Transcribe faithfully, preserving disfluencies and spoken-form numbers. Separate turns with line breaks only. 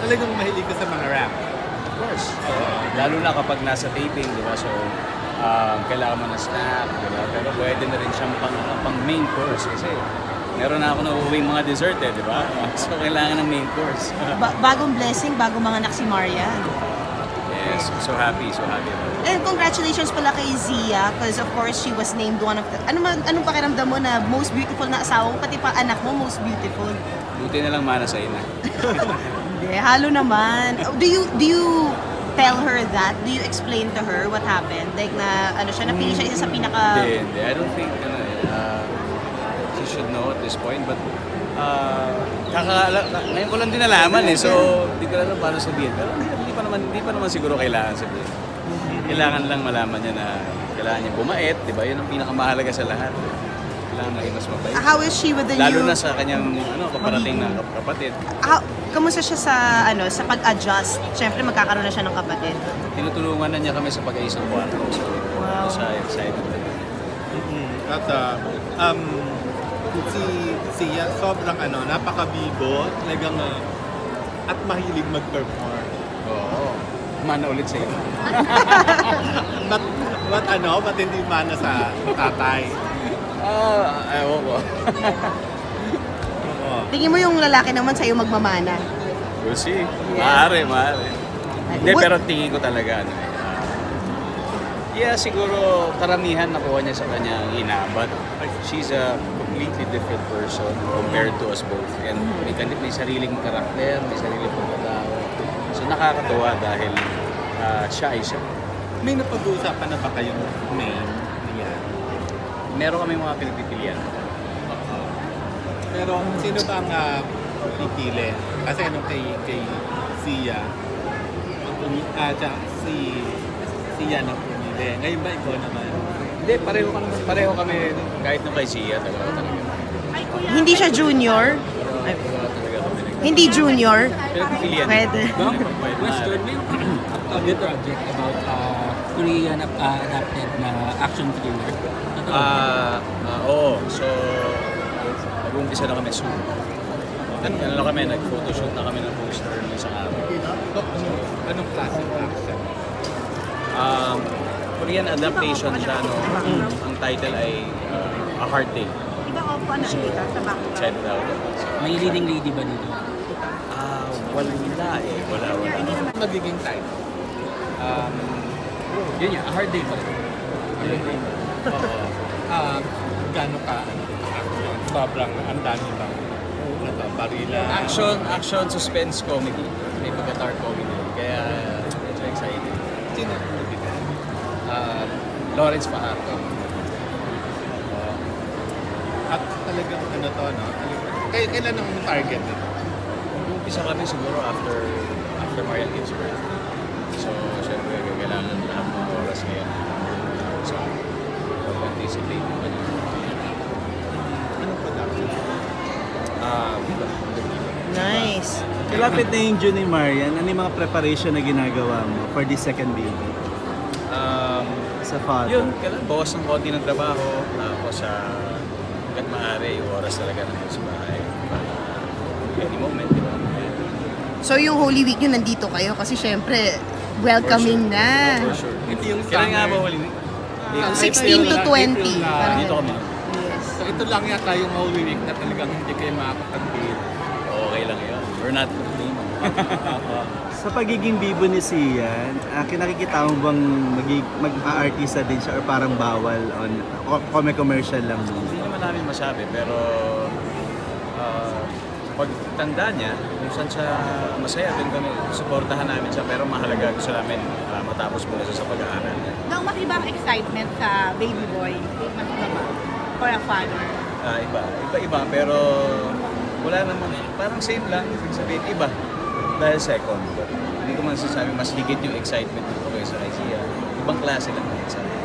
talagang mahilig ka sa mga rap.
Of course. Uh, lalo na kapag nasa taping, di ba? So, um, kailangan mo na snack, di ba? Pero pwede na rin siyang pang, ano, pang main course kasi meron na ako na uuwing mga dessert eh, di ba? So, kailangan ng main course.
Ba- bagong blessing, bagong mga anak si Marian.
Yes, so happy, so happy.
And congratulations pala kay Zia because of course she was named one of the... Ano man, anong pakiramdam mo na most beautiful na asawa mo, pati pa anak mo most beautiful?
Buti na lang mana sa ina.
Hindi, halo naman. Do you, do you tell her that? Do you explain to her what happened? Like na, ano siya, napili siya isa sa pinaka...
Hindi, hindi. I don't think, ano eh, uh, she should know at this point, but uh, kakala, ngayon ko lang din nalaman eh, so hindi ko alam paano sabihin. Pero hindi, hindi pa naman, hindi pa naman siguro kailangan sabihin. Kailangan lang malaman niya na kailangan niya bumait, di ba? Yun ang pinakamahalaga sa lahat. Kailangan maging mas mabait.
How is she with the
Lalo
new...
na sa kanyang ano, kaparating na kap- kapatid.
How, kamusta siya sa, ano, sa pag-adjust? Siyempre magkakaroon na siya ng kapatid.
Tinutulungan na niya kami sa pag-aisang kwarto. So,
Wow.
siya excited na.
At uh, um, si siya sobrang ano, napakabigo, talagang uh, at mahilig mag-perform.
Oo. Mana ulit sa iyo.
But, but ano, ba't hindi mana sa tatay?
Ah, ayaw ko.
Oo.
Tingin mo yung lalaki naman sa'yo magmamana?
We'll see.
Yeah.
Maaari, maaari. Hindi,
What-
pero tingin ko talaga, ano eh. ah, yeah, siguro karamihan nakuha niya sa kanyang ina, but she's a completely different person compared to us both. And may, kanip, may sariling karakter, may sariling pagkatao. So nakakatuwa dahil ah, siya ay siya.
May napag-uusapan na ba kayong name niya?
Meron kami mga pinagpipilian.
Pero sino ba ang uh, pipili? Kasi ano kay, kay Sia, ah, siya, si Sia na pumili. Ngayon ba ikaw naman?
Hindi, pareho kami, pareho kami kahit nung kay Sia, talaga talaga.
Hindi siya junior?
Pero talaga talaga kami nag-
Hindi junior?
Pinagpipilian.
Pwede.
Ma'am,
Pwede,
question,
maaari.
may upcoming project about uh, Korean uh, adapted na action thriller. Totoo ba?
Ah, ah, oo. So, mag-uumpisa na kami soon. Nag, ano na kami, nag-photoshoot na kami ng poster ng isang araw.
So, anong klase ng action?
Um, Korean adaptation siya, no? Ang title ay uh, A Hard Day.
Diba opo ano dito sa back?
Check it out.
May leading lady ba dito?
Ah, wala eh. Wala, wala.
Magiging title.
Um, yun yun, A Hard Day pa rin.
Oo. Ah, gano'n ka, ano, action? Sobrang, ang dami bang, ano ba, barila?
Action, action, suspense, comedy. May pagka-dark comedy. Kaya, medyo excited.
Sino ang nagbigay?
Ah, Lawrence Fajardo.
At talagang ano to, no? Talagang, kay, kailan ang target nito?
Umpisa kami siguro after after Marian gives birth. So, syempre, kailangan lahat ng oras ngayon. So, pag-anticipate mo kanya.
Anong production?
Ah, Viva.
Nice.
Kalapit na yung June ni Marian, ano yung mga preparation na ginagawa mo for this second baby?
Um,
Sa father?
yun, kailangan bawas ng konti ng trabaho. Tapos, sa hanggat maaari, yung oras talaga nandun sa bahay. Para any moment, di ba?
So yung Holy Week nyo nandito kayo kasi syempre welcoming
For sure.
na.
Oh, for sure.
Ito yung
Kailan nga
summer.
ba huli?
Ah,
sixteen to
April na-
twenty.
April na.
Parang
Dito kami.
Yes.
So ito lang yata yung Holy Week na talagang hindi kayo makakapag-date.
Okay lang yun. We're not complaining.
Sa pagiging bibo ni Sian, uh, kinakikita mo bang magig- mag-aartista din siya or parang bawal on o commercial lang mo?
Hindi naman namin masabi, pero uh, pag tanda niya, kung saan siya masaya, doon kami, suportahan namin siya. Pero mahalaga gusto namin uh, matapos muna siya sa pag-aaral niya.
Nang mas ibang excitement sa baby boy, mas iba ba? For a father.
Ah, iba, iba-iba, pero wala naman, parang same lang, ibig sabihin, iba. Dahil second, but hindi ko man sasabi mas higit yung excitement dito kaysa kay Sia. Ibang klase lang ng excitement.